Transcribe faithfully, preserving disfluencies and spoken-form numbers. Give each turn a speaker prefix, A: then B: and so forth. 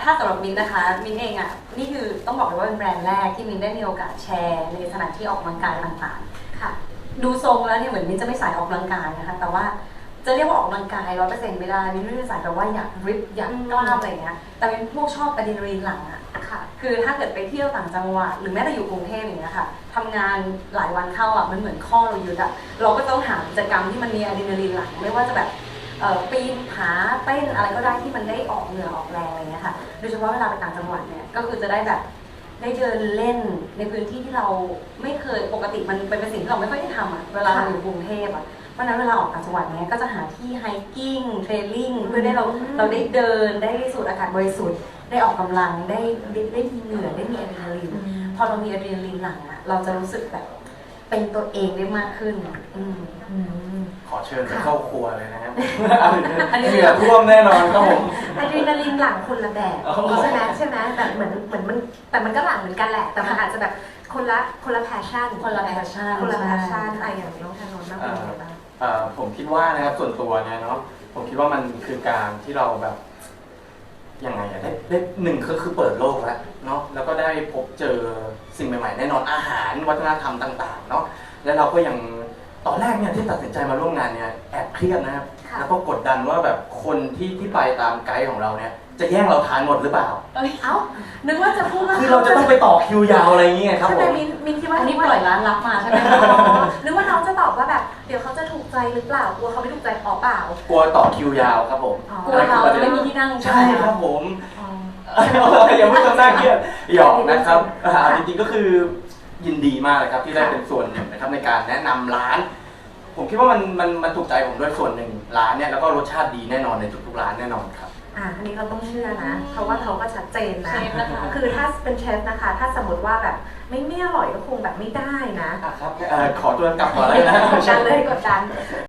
A: ถ้าสำหรับมินนะคะมินเองอ่ะนี่คือต้องบอกเลยว่าเป็นแบรนด์แรกที่มินได้มีโอกาสแชร์ในสถานที่ออกกำลังกายต่างๆค่ะดูทรงแล้วเนี่ยเหมือนมินจะไม่สายออกกำลังกายนะคะแต่ว่าจะเรียกว่าออกกำลังกายร้อยเปอร์เซ็นต์ไม่ได้มินไม่ได้สายแบบว่าอยากริบอยากกล้ามอะไรเงี้ยแต่เป็นพวกชอบอะดรีนาลีนหลั่งอ่ะค่ะคือถ้าเกิดไปเที่ยวต่างจังหวัดหรือแม้แต่อยู่กรุงเทพอย่างเงี้ยค่ะทำงานหลายวันเข้าอ่ะมันเหมือนข้อเรายึดอ่ะเราก็ต้องหากิจกรรมที่มันมีอะดรีนาลีนหลั่งไม่ว่าจะแบบปีนผาเต้นอะไรก็ได้ที่มันได้ออกเหงื่อออกแรงอะไรเงี้ยค่ะโดยเฉพาะเวลาไปต่างจังหวัดเนี่ยก็คือจะได้แบบได้เดินเล่นในพื้นที่ที่เราไม่เคยปกติมันเป็นสิ่งที่เราไม่ค่อยได้ทำอ่ะเวลาเราอยู่กรุงเทพอ่ะเพราะนั้นเวลาออกต่างจังหวัดเนี่ยก็จะหาที่ไฮกิ้งเทรลลิ่งเพื่อได้เราเราได้เดินได้สูดอากาศบริสุทธิ์ได้ออกกำลังได้ได้มีเหงื่อได้มีอะดรีนาลีนพอเรามีอะดรีนาลีนหลั่งอ่ะเราจะรู้สึกแบบเป็นตัวเองได้มากขึ้นอืม
B: ขอเชิญไปเข้าครัวเลยนะครับอันนี้เหงื่อท่วมแน่นอนครับผม
C: อะดรีนาลีนหลั่งคนละแบบใช่ไหมใช่ไหมแบบเหมือนเหมือนมันแต่มันก็หลั่งเหมือนกันแหละแต่มันอาจจะแบบคนละคนละแพชชั่น
A: คนละแพชชั่น
C: คนละแพชชั่นอะไรอย่างน้องธนนท์บ้างเป็นยังไงบ้าง
B: ผมคิดว่านะครับส่วนตัวเนี่ยเนาะผมคิดว่ามันคือการที่เราแบบยังไงอะได้ได้หนึ่งก็คือเปิดโลกแล้วเนาะแล้วก็ได้พบเจอสิ่งใหม่ๆแน่นอนอาหารวัฒนธรรมต่างๆเนาะแล้วเราก็ยังตอนแรกเนี่ยที่ตัดสินใจมาร่วมงานเนี่ยแอบเครียดนะครับแล้วก็กดดันว่าแบบคนที่ที่ไปตามไกด์ของเราเนี่ยจะแย่งเราทานหมดหรือเปล่า
C: เอ้านึกว่าจะพูดว่า
B: คือเราจะต้องไปต่อคิวยาวอะไรอย่างเงี้ยครับผม
C: ใช่ไหมมินมินคิดว่า
A: อันนี้ปล่อยร้านรับมาใช่ไหม
C: นึกว่าน้องจะตอบว่าแบบเดี๋ยวเขาจะถูกใจหรือเปล่ากลัวเขาไม่ถูกใจอ๋อเปล่าก
B: ลัวต่อคิวยาวครับผม
A: กลัวเราจะไม่มีที่นั่ง
B: ใช่ครับผมอย่าพูดจนน่าเครียดหยอกนะครับจริงๆก็คือยินดีมากเลยครับที่ได้เป็นส่วนหนึ่งนะครับในการแนะนำร้านผมคิดว่ามันมันมันถูกใจผมด้วยส่วนหนึ่งร้านเนี่ยแล้วก็รสชาติดีแน่นอนในทุกๆร้านแน่นอนครับ
C: อ่าอันนี้เราต้องเชื่อนะเพราะว่าเขาก็ชัดเจนนะคือถ้าเป็นเชฟนะคะถ้าสมมติว่าแบบไม่ไม่อร่อยก็คงแบบไม่ได้นะครับ
B: ขอตัวกลับก่อนเลยนะ
C: กดดันเลยกดดัน